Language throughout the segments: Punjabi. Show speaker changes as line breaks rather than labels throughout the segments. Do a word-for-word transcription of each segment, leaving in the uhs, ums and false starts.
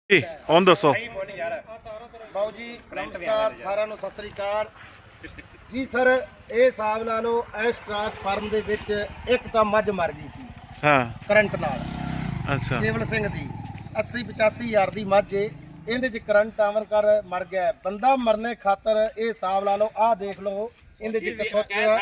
ਜੀ ਹੁਣ ਦੱਸੋ
ਬਾਊ ਜੀ ਨਮਸਕਾਰ ਸਾਰਿਆਂ ਨੂੰ, ਸਤਿ ਸ੍ਰੀ ਅਕਾਲ ਜੀ। ਸਰ ਇਹ ਹਿਸਾਬ ਲਾ ਲਓ, ਇਸ ਟਰਾਂਸਫਾਰਮ ਦੇ ਵਿੱਚ ਇੱਕ ਤਾਂ ਮੱਝ ਮਰ ਗਈ ਸੀ
ਹਾਂ
ਕਰੰਟ ਨਾਲ।
ਅੱਛਾ
ਕੇਵਲ ਸਿੰਘ ਦੀ ਅੱਸੀ ਪਚਾਸੀ ਹਜ਼ਾਰ ਦੀ ਮੱਝ ਏ, ਇਹਦੇ ਚ ਕਰੰਟ ਆਵਰ ਕਰ ਮਰ ਗਿਆ। ਬੰਦਾ ਮਰਨੇ ਖਾਤਰ ਇਹ ਹਿਸਾਬ ਲਾ ਲਓ, ਆਹ ਦੇਖ ਲਓ ਇਹਦੇ ਚ ਇੱਕ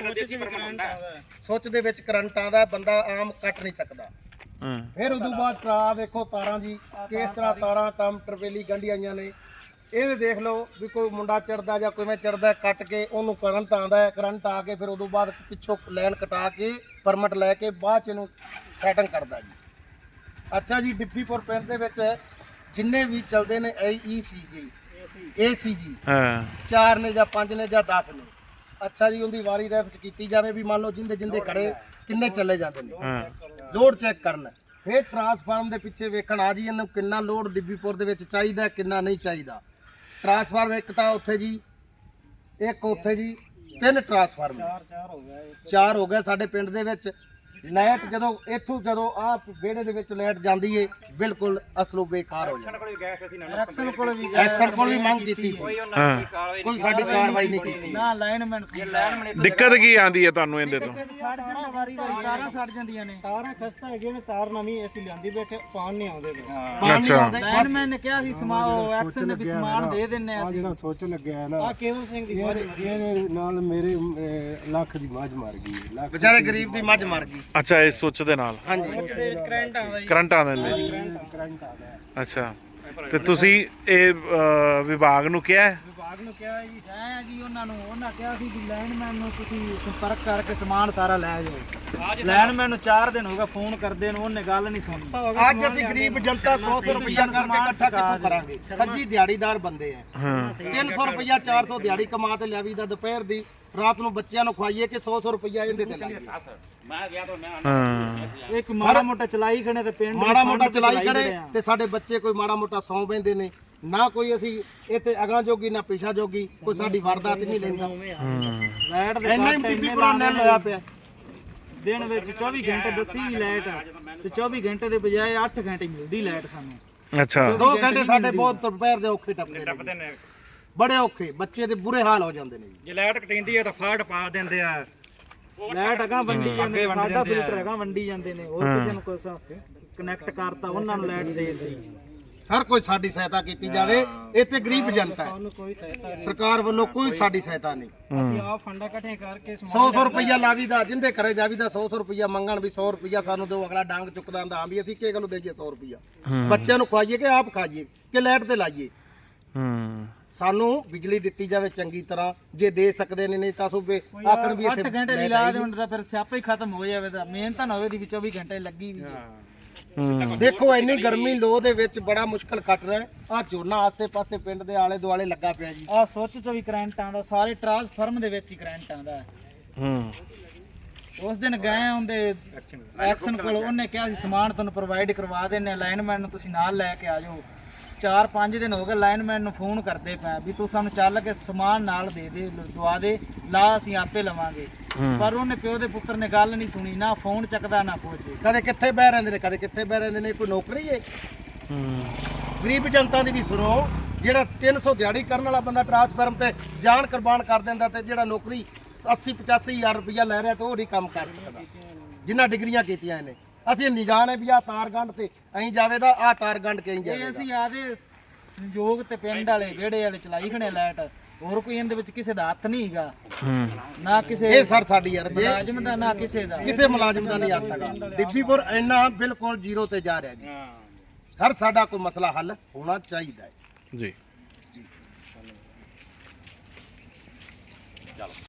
ਸੁੱਚ ਸੁੱਚ ਦੇ ਵਿੱਚ ਕਰੰਟ ਆਉਂਦਾ, ਬੰਦਾ ਆਮ ਕੱਟ ਨਹੀਂ ਸਕਦਾ।
ਹਾਂ
ਫਿਰ ਉਦੋਂ ਬਾਅਦ ਟਰਾ ਵੇਖੋ ਤਾਰਾਂ ਜੀ ਕਿਸ ਤਰ੍ਹਾਂ ਤਾਰਾਂ ਟਮ ਟਰਵੇਲੀ ਗੰਢੀ ਆਈਆਂ ਨੇ। ਇਹ ਦੇਖ ਲਓ ਵੀ ਕੋਈ ਮੁੰਡਾ ਚੜਦਾ ਜਾਂ ਕਿਵੇਂ ਚੜਦਾ, ਕੱਟ ਕੇ ਉਹਨੂੰ ਕਰੰਟ ਆਉਂਦਾ ਹੈ। ਕਰੰਟ ਆ ਕੇ ਫਿਰ ਉਦੋਂ ਬਾਅਦ ਪਿੱਛੋਂ ਲਾਈਨ ਕਟਾ ਕੇ ਪਰਮਿਟ ਲੈ ਕੇ ਬਾਅਦ ਚ ਇਹਨੂੰ ਸੈਟਿੰਗ ਕਰਦਾ ਜੀ। ਅੱਛਾ ਜੀ, ਡਿੱਪੀਪੁਰ ਪਿੰਡ ਦੇ ਵਿੱਚ ਜਿੰਨੇ ਵੀ ਚੱਲਦੇ ਨੇ ਈ ਸੀ ਜੀ ਏ ਸੀ ਜੀ
ਹਾਂ
ਚਾਰ ਨੇ ਜਾਂ ਪੰਜ ਨੇ ਜਾਂ ਦਸ ਨੇ। ਅੱਛਾ ਜੀ, ਉਹਦੀ ਵਾਰੀ ਰੈਫਟ ਕੀਤੀ ਜਾਵੇ ਵੀ ਮੰਨ ਲਓ ਜਿੰਦੇ ਜਿੰਦੇ ਖੜੇ ਕਿੰਨੇ ਚੱਲੇ ਜਾਂਦੇ ਨੇ,
ਹਾਂ
ਲੋਡ ਚੈੱਕ ਕਰਨਾ। ਫਿਰ ਟਰਾਂਸਫਾਰਮ ਦੇ ਪਿੱਛੇ ਵੇਖਣ ਆ ਜੀ ਇਹਨੂੰ ਕਿੰਨਾ ਲੋਡ ਡਿੱਬੀਪੁਰ ਦੇ ਵਿੱਚ ਚਾਹੀਦਾ, ਕਿੰਨਾ ਨਹੀਂ ਚਾਹੀਦਾ। ਟਰਾਂਸਫਾਰਮ ਇੱਕ ਤਾਂ ਉੱਥੇ ਜੀ, ਇੱਕ ਉੱਥੇ ਜੀ, ਤਿੰਨ ਟਰਾਂਸਫਾਰਮ ਚਾਰ ਹੋ ਗਏ ਸਾਡੇ ਪਿੰਡ ਦੇ ਵਿੱਚ। ਲਾਈਟ ਜਦੋਂ ਇੱਥੋਂ ਜਦੋਂ ਆਹ ਵਿਹੜੇ ਦੇ ਵਿੱਚ ਲਾਈਟ ਜਾਂਦੀ ਏ ਬਿਲਕੁਲ ਅਸਲੋਂ ਬੇਕਾਰ ਹੋ ਜਾਂਦਾ। ਐਕਸਲ ਕੋਲ ਵੀ ਐਕਸਲ ਕੋਲ ਵੀ ਮੰਗ ਕੀਤੀ ਸੀ,
ਹਾਂ
ਕੋਈ ਸਾਡੀ ਕਾਰਵਾਈ ਨਹੀਂ ਕੀਤੀ।
ਨਾ ਲਾਈਨਮੈਨ
ਦਿੱਕਤ ਕੀ ਆਂਦੀ ਹੈ ਤੁਹਾਨੂੰ ਇਹਦੇ ਤੋਂ?
ਵਾਰੀ ਵਾਰੀ ਤਾਰਾਂ ਸੜ ਜਾਂਦੀਆਂ ਨੇ, ਤਾਰਾਂ ਖਸਤਾ ਹੈਗੀਆਂ ਨੇ, ਤਾਰ ਨਵੀਂ ਅਸੀਂ ਲਿਆਂਦੀ ਬੈਠੇ, ਪਾਣ ਨਹੀਂ ਆਉਂਦੇ ਪਏ।
ਪਾਣੀ
ਅੱਛਾ।
ਆਉਂਦੇ ਬਸ।
ਲਾਈਨਮੈਨ ਨੇ ਕਿਹਾ ਸੀ ਸਮਾਓ ਐਕਸ਼ਨ ਨੇ ਵੀ ਸਮਾਨ ਦੇ ਦਿੰਨੇ
ਆ
ਅਸੀਂ।
ਜਿਹੜਾ ਸੋਚ ਲੱਗਿਆ ਹੈ ਨਾ,
ਆ ਕੇਵਲ ਸਿੰਘ ਦੀ
ਇਹਦੇ ਇਹਦੇ ਨਾਲ ਮੇਰੇ ਅਹ, ਲੱਖ ਦੀ ਮੱਝ ਮਰ ਗਈ ਹੈ। ਲੱਖ
ਵਿਚਾਰੇ ਗਰੀਬ ਦੀ ਮੱਝ ਮਰ ਗਈ।
ਅੱਛਾ ਇਸ ਸੁੱਚ ਦੇ ਨਾਲ
ਹਾਂਜੀ
ਕਰੰਟ ਆਉਂਦਾ ਜੀ।
ਕਰੰਟ ਆਉਂਦੇ ਨੇ?
ਕਰੰਟ ਆ ਗਿਆ।
ਅੱਛਾ ਤੇ ਤੁਸੀਂ ਇਹ ਅਹ, ਵਿਭਾਗ ਨੂੰ ਕਿਹਾ ਹੈ?
ਵਿਭਾਗ ਨੂੰ ਕਿਹਾ ਜੀ ਹੈ ਜੀ, ਉਹਨਾਂ ਨੂੰ ਉਹਨਾਂ ਕਿਹਾ ਸੀ ਵੀ ਲਾਈਨਮੈਨ ਨੂੰ ਤੁਸੀਂ ਸੰਪਰਕ ਕਰਕੇ ਸਮਾਨ ਸਾਰਾ ਲੈ ਜਾਓ। ਲਾਈਨਮੈਨ ਨੂੰ ਚਾਰ ਦਿਨ ਹੋ ਗਏ ਫੋਨ ਕਰਦੇ ਨੂੰ, ਉਹਨੇ ਗੱਲ ਨਹੀਂ ਸੁਣੀ।
ਅੱਜ ਅਸੀਂ ਗਰੀਬ ਜਨਤਾ ਸੌ ਸੌ ਰੁਪਇਆ ਕਰਕੇ ਇਕੱਠਾ ਕਿੱਥੋਂ ਕਰਾਂਗੇ? ਸੱਜੀ ਦਿਹਾੜੀਦਾਰ ਬੰਦੇ ਆ,
ਹਾਂ
ਤਿੰਨ ਸੌ ਰੁਪਇਆ ਚਾਰ ਸੌ ਦਿਹਾੜੀ ਕਮਾ ਤੇ ਲਿਆਵੀ ਦਾ ਦੁਪਹਿਰ ਦੀ, ਰਾਤ ਨੂੰ ਬੱਚਿਆਂ ਨੂੰ ਖਵਾਈਏ ਕਿ ਸੌ ਸੌ ਰੁਪਇਆ ਇਹਦੇ ਤੇ ਲਾਈਏ।
ਹਾਂ
ਇੱਕ ਮਾੜਾ ਮੋਟਾ ਚਲਾਈ ਖੜੇ ਤੇ ਪਿੰਡ ਦੇ
ਮਾੜਾ ਮੋਟਾ
ਫੰਡ
ਚਲਾਈ
ਚਲਾਈ
ਖੜੇ
ਖੜੇ ਆ।
ਤੇ ਸਾਡੇ ਬੱਚੇ ਕੋਈ ਮਾੜਾ ਮੋਟਾ ਸੌਂ ਬੈਂਦੇ ਨੇ, ਨਾ ਕੋਈ ਅਸੀਂ ਇੱਥੇ ਅਗਾਂ ਜੋਗੀ ਨਾ ਪਿਛਾ ਜੋਗੀ, ਕੋਈ ਸਾਡੀ ਵਾਰਦਾਤ ਨਹੀਂ ਲੈਂਦਾ।
ਲਾਈਟ ਦੇ
ਇੰਨਾ ਹੀ ਬੀਬੀ ਪੁਰਾਣ ਨੇ ਹੋਇਆ ਪਿਆ।
ਦਿਨ ਵਿੱਚ ਚੌਵੀ ਘੰਟੇ ਦੱਸੀ ਵੀ ਲਾਈਟ ਆ ਤੇ ਚੌਵੀ ਘੰਟੇ ਦੇ ਬਜਾਏ ਅੱਠ ਘੰਟੇ ਮਿਲਦੀ ਲਾਈਟ ਸਾਨੂੰ।
ਅੱਛਾ
ਦੋ ਘੰਟੇ ਸਾਡੇ ਬਹੁਤ ਦੁਪਹਿਰ ਦੇ ਔਖੇ ਟੱਪਦੇ ਨੇ, ਬੜੇ ਔਖੇ। ਬੱਚੇ ਦੇ ਬੁਰੇ ਹਾਲ ਹੋ ਜਾਂਦੇ ਨੇ ਜੀ।
ਜੇ ਲਾਈਟ ਕਟਿੰਦੀ ਹੈ ਤਾਂ ਫਾੜ ਪਾ ਦਿੰਦੇ ਆ।
ਲਾਈਟ ਅਗਾ ਵੰਡੀ ਜਾਂਦੇ ਨੇ, ਸਾਡਾ ਫਿਲਟਰ ਹੈਗਾ ਵੰਡੀ ਜਾਂਦੇ ਨੇ, ਹੋਰ ਕਿਸੇ ਨੂੰ ਕੋਈ ਕਨੈਕਟ ਕਰਤਾ ਉਹਨਾਂ ਨੂੰ ਲਾਈਟ ਦੇ ਦਿੱਤੀ।
ਸਰ ਕੋਈ ਸਾਡੀ ਸਹਾਇਤਾ ਕੀਤੀ ਜਾਵੇ, ਇੱਥੇ ਗਰੀਬ ਜਨਤਾ ਹੈ,
ਸਾਨੂੰ ਕੋਈ ਸਹਾਇਤਾ
ਸਰਕਾਰ ਵੱਲੋਂ ਕੋਈ ਸਾਡੀ ਸਹਾਇਤਾ ਨਹੀਂ।
ਅਸੀਂ ਆ ਫੰਡਾ ਇਕੱਠੇ ਕਰਕੇ
ਸੌ ਸੌ ਰੁਪਇਆ ਲਾਵੀਦਾ, ਜਿੰਦੇ ਘਰੇ ਜਾਵੀਦਾ ਸੌ ਸੌ ਰੁਪਇਆ ਮੰਗਣ ਵੀ ਸੌ ਰੁਪਇਆ ਸਾਨੂੰ ਦਿਓ, ਅਗਲਾ ਡਾਂਗ ਚੁੱਕਦਾ ਹੁੰਦਾ ਹਾਂ ਵੀ ਅਸੀਂ ਕੀ ਗੱਲੋਂ ਦੇਈਏ ਸੌ ਰੁਪਇਆ, ਬੱਚਿਆਂ ਨੂੰ ਖਵਾਈਏ ਕਿ ਆਪ ਖਾਈਏ ਕਿ ਲਾਈਟ ਤੇ ਲਾਈਏ।
ਹੂੰ
ਸਾਨੂੰ ਬਿਜਲੀ ਦਿੱਤੀ ਜਾਵੇ ਚੰਗੀ ਤਰ੍ਹਾਂ, ਜੇ ਦੇ ਸਕਦੇ ਨੇ, ਨਹੀਂ ਤਾਂ ਸੂਬੇ ਆਖਣ ਵੀ
ਅੱਠ
ਇੱਥੇ
ਘੰਟੇ ਦੀ ਲਾ ਦੇ ਹੁੰਦਾ ਫਿਰ ਸਿਆਪਾ ਹੀ ਖਤਮ ਹੋ ਜਾਵੇ। ਤਾਂ ਮਿਹਨਤ ਨਾ ਹੋਵੇ ਦੀ ਵੀ ਚੌਵੀ ਘੰਟੇ ਲੱਗੀ ਵੀ।
ਦੇਖੋ ਇੰਨੀ ਗਰਮੀ ਲੋ ਦੇ ਵਿੱਚ ਬੜਾ ਮੁਸ਼ਕਲ ਕੱਟ ਰਿਹਾ। ਆ ਝੋਨਾ ਆਸੇ ਪਾਸੇ ਪਿੰਡ ਦੇ ਆਲੇ ਦੁਆਲੇ ਲੱਗਾ ਪਿਆ ਜੀ।
ਆ ਸੁੱਚ ਚ ਵੀ ਕਰੰਟ ਆਉਂਦਾ, ਸਾਰੇ ਟਰਾਂਸਫਾਰਮ ਦੇ ਵਿੱਚ ਹੀ ਕਰੰਟ ਆਉਂਦਾ।
ਹੂੰ
ਉਸ ਦਿਨ ਗਏ ਹੁੰਦੇ ਐਕਸ਼ਨ ਕੋਲ, ਉਹਨੇ ਕਿਹਾ ਸੀ ਸਮਾਨ ਤੁਹਾਨੂੰ ਪ੍ਰੋਵਾਈਡ ਕਰਵਾ ਦਿੰਨੇ, ਲਾਈਨਮੈਨ ਨੂੰ ਤੁਸੀਂ ਨਾਲ ਲੈ ਕੇ ਆ ਜਾਓ। ਚਾਰ ਪੰਜ ਦਿਨ ਹੋ ਗਏ ਲਾਈਨਮੈਨ ਨੂੰ ਫੋਨ ਕਰਦੇ ਪਏ ਵੀ ਤੂੰ ਸਾਨੂੰ ਚੱਲ ਕੇ ਸਮਾਨ ਨਾਲ ਦੇ ਦੇ, ਦਵਾ ਦੇ, ਲਾ ਅਸੀਂ ਆਪੇ ਲਵਾਂਗੇ। ਪਰ ਉਹਨੇ ਪਿਓ ਦੇ ਪੁੱਤਰ ਨੇ ਗੱਲ ਨਹੀਂ ਸੁਣੀ, ਨਾ ਫੋਨ ਚੱਕਦਾ ਨਾ ਕੁਝ।
ਕਦੇ ਕਿੱਥੇ ਬਹਿ ਰਹਿੰਦੇ ਨੇ, ਕਦੇ ਕਿੱਥੇ ਬਹਿ ਰਹਿੰਦੇ ਨੇ। ਕੋਈ ਨੌਕਰੀ ਏ? ਗਰੀਬ ਜਨਤਾ ਦੀ ਵੀ ਸੁਣੋ। ਜਿਹੜਾ ਤਿੰਨ ਸੌ ਦਿਹਾੜੀ ਕਰਨ ਵਾਲਾ ਬੰਦਾ ਟਰਾਂਸਫਾਰਮ ਤੇ ਜਾਨ ਕੁਰਬਾਨ ਕਰ ਦਿੰਦਾ, ਤੇ ਜਿਹੜਾ ਨੌਕਰੀ ਅੱਸੀ ਪਚਾਸੀ ਹਜ਼ਾਰ ਰੁਪਇਆ ਲੈ ਰਿਹਾ ਤੇ ਉਹ ਨਹੀਂ ਕੰਮ ਕਰ ਸਕਦਾ, ਜਿੰਨਾ ਡਿਗਰੀਆਂ ਕੀਤੀਆਂ ਇਹਨੇ। ਅਸੀਂ ਨਿਜਾਨ ਹੈ ਵੀ ਆਹ ਤਾਰ ਗੰਢ ਤੇ ਐਂ ਜਾਵੇ ਦਾ, ਆਹ ਤਾਰ ਗੰਢ ਕੇ ਐਂ
ਇਹ
ਜਾਵੇ।
ਅਸੀਂ ਆਦੇ ਸੰਯੋਗ ਤੇ ਪਿੰਡ ਵਾਲੇ ਜਿਹੜੇ ਵਾਲੇ ਚਲਾਈ ਖਣੇ ਲਾਈਟ, ਹੋਰ ਕੋਈ ਇਹਦੇ ਵਿੱਚ ਕਿਸੇ ਦਾ ਹੱਥ ਨਹੀਂ ਹੈਗਾ, ਨਾ ਕਿਸੇ
ਇਹ ਸਰ ਸਾਡੀ ਅਰਜ਼ ਹੈ,
ਮੁਲਾਜ਼ਮ ਦਾ ਨਾ ਕਿਸੇ ਦਾ।
ਕਿਸੇ ਮੁਲਾਜ਼ਮ ਦਾ ਨਹੀਂ ਹੱਥ ਹੈਗਾ। ਡਿੱਬੀਪੁਰ ਇੰਨਾ ਬਿਲਕੁਲ ਜ਼ੀਰੋ ਤੇ ਜਾ ਰਿਹਾ ਜੀ। ਸਰ ਸਾਡਾ ਕੋਈ ਮਸਲਾ ਹੱਲ ਹੋਣਾ ਚਾਹੀਦਾ ਹੈ
ਜੀ।